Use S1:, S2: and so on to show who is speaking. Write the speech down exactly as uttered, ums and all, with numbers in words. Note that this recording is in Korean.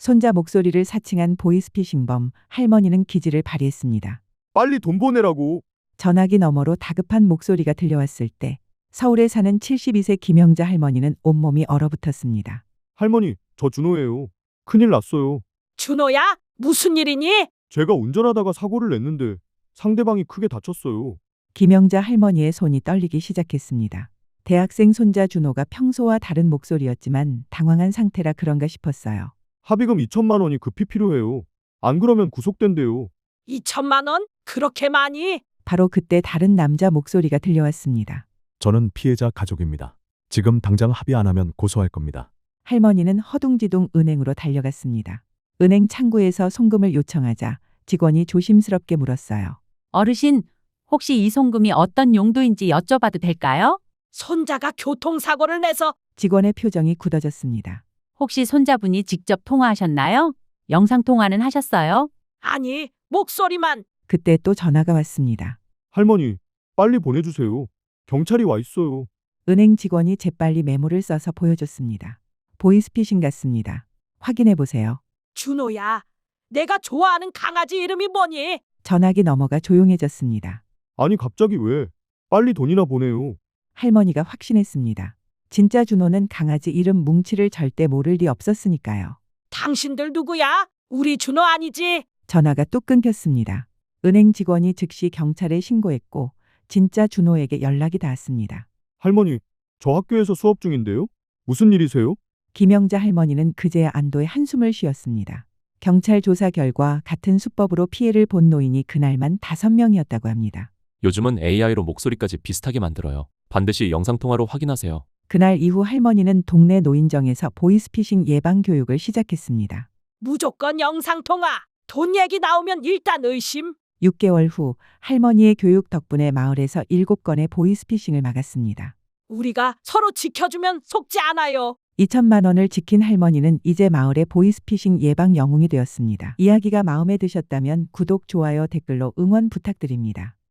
S1: 손자 목소리를 사칭한 보이스피싱범. 할머니는 기지를 발휘했습니다.
S2: 빨리 돈 보내라고.
S1: 전화기 너머로 다급한 목소리가 들려왔을 때 서울에 사는 칠십이 세 김영자 할머니는 온몸이 얼어붙었습니다.
S2: 할머니, 저 준호예요. 큰일 났어요.
S3: 준호야? 무슨 일이니?
S2: 제가 운전하다가 사고를 냈는데 상대방이 크게 다쳤어요.
S1: 김영자 할머니의 손이 떨리기 시작했습니다. 대학생 손자 준호가 평소와 다른 목소리였지만 당황한 상태라 그런가 싶었어요.
S2: 합의금 이천만 원이 급히 필요해요. 안 그러면 구속된대요.
S3: 이천만 원? 그렇게 많이?
S1: 바로 그때 다른 남자 목소리가 들려왔습니다.
S4: 저는 피해자 가족입니다. 지금 당장 합의 안 하면 고소할 겁니다.
S1: 할머니는 허둥지둥 은행으로 달려갔습니다. 은행 창구에서 송금을 요청하자 직원이 조심스럽게 물었어요.
S5: 어르신, 혹시 이 송금이 어떤 용도인지 여쭤봐도 될까요?
S3: 손자가 교통사고를 내서.
S1: 직원의 표정이 굳어졌습니다.
S5: 혹시 손자분이 직접 통화하셨나요? 영상통화는 하셨어요?
S3: 아니, 목소리만.
S1: 그때 또 전화가 왔습니다.
S2: 할머니, 빨리 보내주세요. 경찰이 와 있어요.
S1: 은행 직원이 재빨리 메모를 써서 보여줬습니다. 보이스피싱 같습니다. 확인해 보세요.
S3: 준호야, 내가 좋아하는 강아지 이름이 뭐니?
S1: 전화기 넘어가 조용해졌습니다.
S2: 아니 갑자기 왜? 빨리 돈이나 보내요.
S1: 할머니가 확신했습니다. 진짜 준호는 강아지 이름 뭉치를 절대 모를 리 없었으니까요.
S3: 당신들 누구야? 우리 준호 아니지?
S1: 전화가 뚝 끊겼습니다. 은행 직원이 즉시 경찰에 신고했고 진짜 준호에게 연락이 닿았습니다.
S2: 할머니, 저 학교에서 수업 중인데요. 무슨 일이세요?
S1: 김영자 할머니는 그제야 안도의 한숨을 쉬었습니다. 경찰 조사 결과 같은 수법으로 피해를 본 노인이 그날만 다섯 명이었다고 합니다.
S6: 요즘은 에이아이로 목소리까지 비슷하게 만들어요. 반드시 영상통화로 확인하세요.
S1: 그날 이후 할머니는 동네 노인정에서 보이스피싱 예방 교육을 시작했습니다.
S3: 무조건 영상통화. 돈 얘기 나오면 일단 의심.
S1: 육 개월 후 할머니의 교육 덕분에 마을에서 일곱 건의 보이스피싱을 막았습니다.
S3: 우리가 서로 지켜주면 속지 않아요.
S1: 이천만 원을 지킨 할머니는 이제 마을의 보이스피싱 예방 영웅이 되었습니다. 이야기가 마음에 드셨다면 구독, 좋아요, 댓글로 응원 부탁드립니다.